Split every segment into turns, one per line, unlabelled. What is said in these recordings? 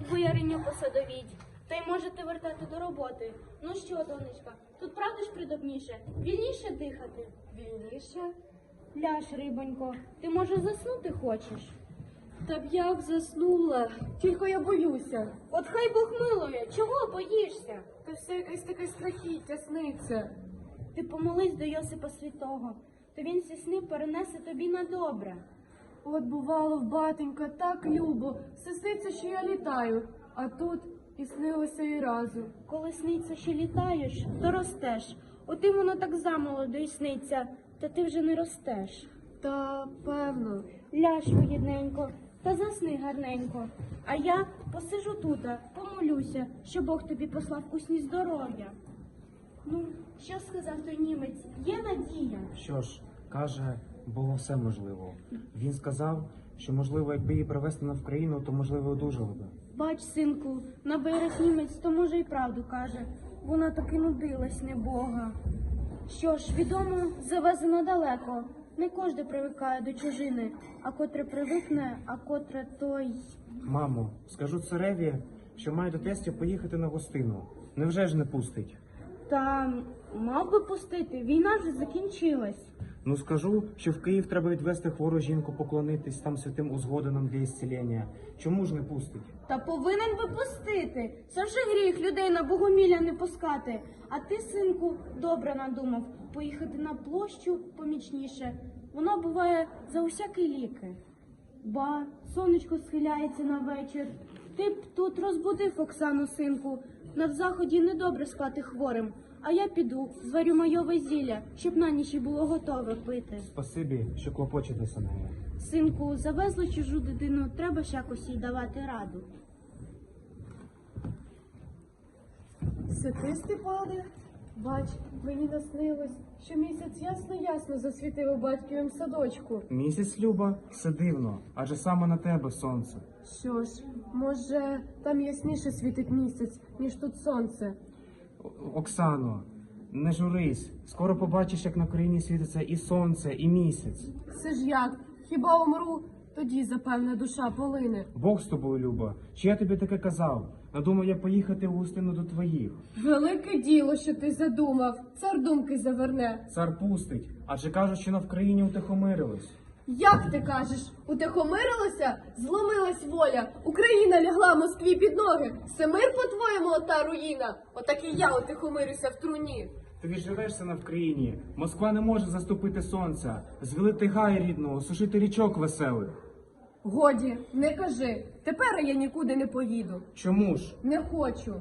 бояриню посадовіть. Та й можете вертати до роботи. Ну що, донечка, тут правда ж придобніше? Вільніше дихати?
Вільніше?
Ляж, рибонько, ти, може, заснути хочеш?
Та б я б заснула, тільки я боюся.
От хай Бог милує, чого боїшся?
Та все якесь таке страхіття сниться.
Ти помолись до Йосипа Святого, то він ці сни перенесе тобі на добре.
От бувало в батенька так любо, все сниться, що я літаю, а тут і снилося і разу.
Коли сниться, що літаєш, то ростеш. Отим воно так замолоду й сниться, та ти вже не ростеш.
Та певно.
Ляж, вигідненько, та засни гарненько. А я посижу тута, помолюся, що Бог тобі послав у сні здоров'я. Ну, що сказав той німець? Є надія?
Що ж, каже, було все можливо. Він сказав, що, можливо, якби її привезти на Вкраїну, то, можливо, одужали би.
Бач, синку, на берег німець, то може й правду каже. Вона таки нудилась, не Бога. Що ж, відомо, завезено далеко. Не кожен привикає до чужини, а котре привикне, а котре той.
Мамо, скажу цареві, що має до тестя поїхати на гостину. Невже ж не пустить?
Та мав би пустити, війна вже закінчилась.
Ну скажу, що в Київ треба відвести хвору жінку, поклонитись там святим узгодинам для ісцілення. Чому ж не пустить?
Та повинен би пустити. Це вже гріх людей на богомілля не пускати. А ти, синку, добре надумав поїхати на площу помічніше. Воно буває за усякі ліки. Ба, сонечко схиляється на вечір. Ти б тут розбудив Оксану, синку. На заході недобре спати хворим. А я піду, зварю майове зілля, щоб на ніч і було готове пити.
Спасибі, що клопочетеся нею.
Синку, завезли чужу дитину, треба ж якось їй давати раду.
Це ти, Степане? Бач, мені наснилось, що місяць ясно-ясно засвітив у батьківім садочку.
Місяць, Люба, все дивно, адже саме на тебе сонце.
Що ж, може, там ясніше світить місяць, ніж тут сонце.
Оксано, не журись, скоро побачиш, як на країні світиться і сонце, і місяць.
Це ж як? Хіба умру? Тоді, запевне, душа полине.
Бог з тобою, Люба, чи я тобі таке казав? Надумав я поїхати в гостину до твоїх.
Велике діло, що ти задумав. Цар думки заверне.
Цар пустить, адже кажуть, що на Вкраїні утихомирились.
Як ти кажеш, утихомирилося? Зломилась воля. Україна лягла Москві під ноги. Це мир, по-твоєму, ота руїна? Отак і я утихомирюся в труні.
Ти відживешся на Вкраїні. Москва не може заступити сонця, звілити гай рідного, сушити річок веселих.
Годі, не кажи. Тепер я нікуди не поїду.
Чому ж?
Не хочу.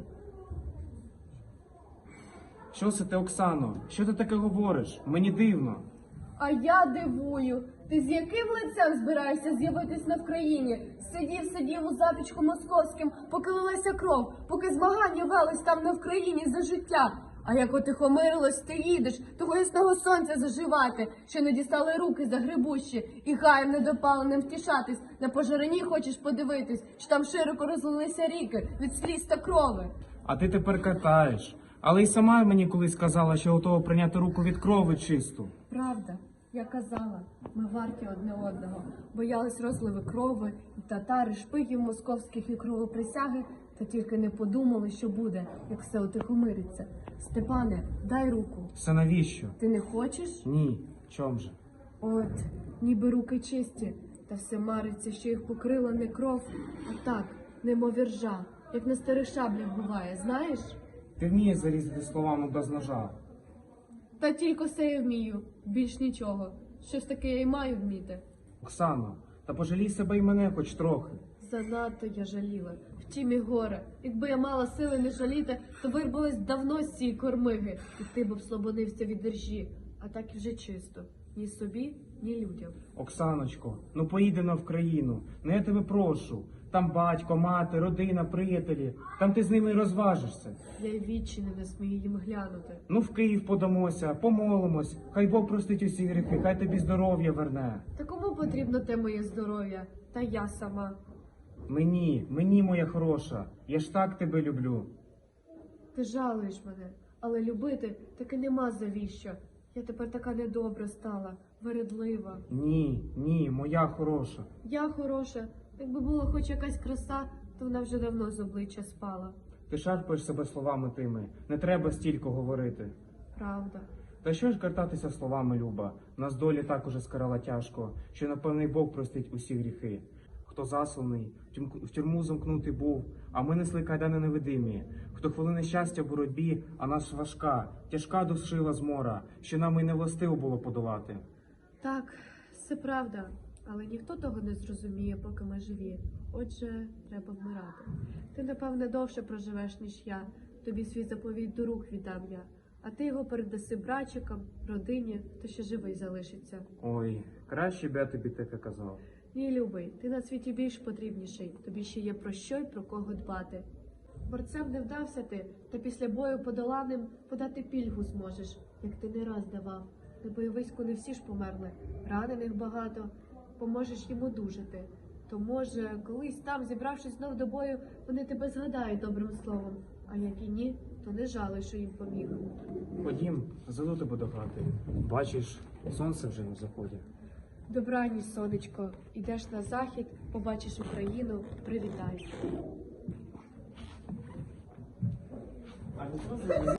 Що це ти, Оксано? Що ти таке говориш? Мені дивно.
А я дивую. Ти з яким лицем збираєшся з'явитись на Вкраїні? Сидів у запічку московським, поки лилася кров, поки змагання велись там на Вкраїні за життя. А як отихомирилось, ти їдеш, того ясного сонця заживати, що не дістали руки за грибущі, і гаєм недопаленим втішатись, на пожарині хочеш подивитись, що там широко розлилися ріки від сліз та крови.
А ти тепер катаєш. Але й сама мені колись казала, що готова прийняти руку від крови чисту.
Правда, я казала, ми варті одне одного, боялись розливи крови, і татари, шпигів московських і кровоприсяги, та тільки не подумали, що буде, як все утихомириться. Степане, дай руку.
Все навіщо?
Ти не хочеш?
Ні. Чом же?
От, ніби руки чисті, та все мариться, що їх покрила не кров, а так, немов іржа, як на старих шаблях буває, знаєш?
Ти вмієш зарізати словами без ножа.
Та тільки все я вмію, більш нічого. Щось таке я й маю вміти.
Оксано, та пожалій себе й мене хоч трохи.
Занадто я жаліла, втім і горе. Якби я мала сили не жаліти, то вирвалась давно з цієї кормиги, і ти б обслабонився від держі, а так і вже чисто. Ні собі, ні людям.
Оксаночко, ну поїди на Вкраїну, ну я тебе прошу. Там батько, мати, родина, приятелі. Там ти з ними й розважишся.
Я й відчини не смію їм глянути.
Ну в Київ подамося, помолимось. Хай Бог простить усі гріхи, хай тобі здоров'я верне.
Та кому потрібно те моє здоров'я? Та я сама.
Мені, моя хороша, я ж так тебе люблю.
Ти жалуєш мене, але любити таки нема завіщо. Я тепер така недобра стала, вередлива.
Ні, моя хороша.
Я хороша. Якби була хоч якась краса, то вона вже давно з обличчя спала.
Ти шарпаєш себе словами тими. Не треба стільки говорити.
Правда.
Та що ж картатися словами, Люба? Нас долі так уже скарала тяжко, що напевне й Бог простить усі гріхи. Хто засланий, в тюрму замкнутий був, а ми несли кайдани невидимі. Хто хвилини щастя в боротьбі, а нас важка, тяжка душила змора, що нам і не властиво було подолати.
Так, це правда, але ніхто того не зрозуміє, поки ми живі. Отже, треба вмирати. Ти, напевне, довше проживеш, ніж я. Тобі свій заповідь до рук віддам я. А ти його передаси братчикам, родині, то ще живий залишиться.
Ой, краще б я тобі таке казав.
Ні, любий, ти на світі більш потрібніший. Тобі ще є про що й про кого дбати. Борцем не вдався ти, та після бою подоланим подати пільгу зможеш, як ти не раз давав. На бойовиську не всі ж померли, ранених багато, поможеш їм одужати. То, може, колись там, зібравшись знов до бою, вони тебе згадають добрим словом, а як і ні, то не жалуй, що їм поміг.
Ходім, заведу тебе до хати. Бачиш, сонце вже на заході.
Добраніч, сонечко, ідеш на захід, побачиш Україну, привітайся.